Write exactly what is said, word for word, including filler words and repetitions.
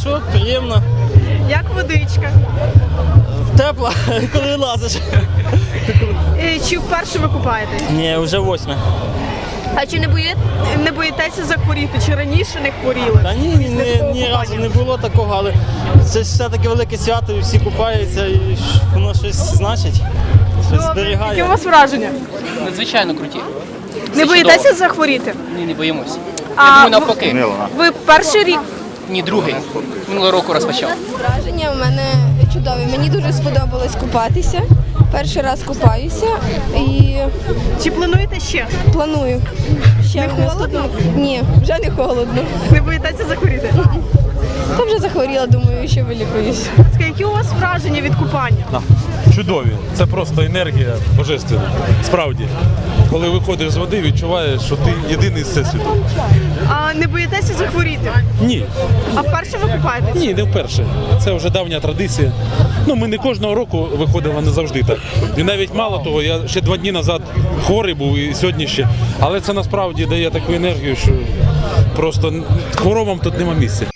Хорошо, приємно. Як водичка? Тепло, коли лазиш. Е, Чи вперше ви купаєтесь? Ні, вже восьме. А чи не боїте, не боїтеся захворіти? Чи раніше не хворіли? Та ні, ні, ні, ні разу не було такого, але це ж все-таки велике свято, і всі купаються, і воно щось значить, щось Які у зберігає. вас враження? Надзвичайно круті. Не боїтеся захворіти? Ні, не боїмося. А Я думаю, ви- навпаки. Ви перший рік? Ні, другий. Минулого року розпочав. Враження в мене чудові. Мені дуже сподобалось купатися. Перший раз купаюся і Чи плануєте ще? планую. Ще Не в холодно? наступному- Ні, вже не холодно. Не боїтеся захворіти? Та вже захворіла, думаю, що вилікуюсь. Які у вас враження від купання? Чудові. Це просто енергія божественна. Справді. Коли виходиш з води, відчуваєш, що ти єдиний з всесвіту. А не боїтеся захворіти? Ні, А вперше ви купаєтесь? ні, не вперше. Це вже давня традиція. Ну, ми не кожного року виходимо, не завжди так. І навіть мало того, я ще два дні назад хворий був і сьогодні ще. Але це насправді дає таку енергію, що просто хворобам тут нема місця.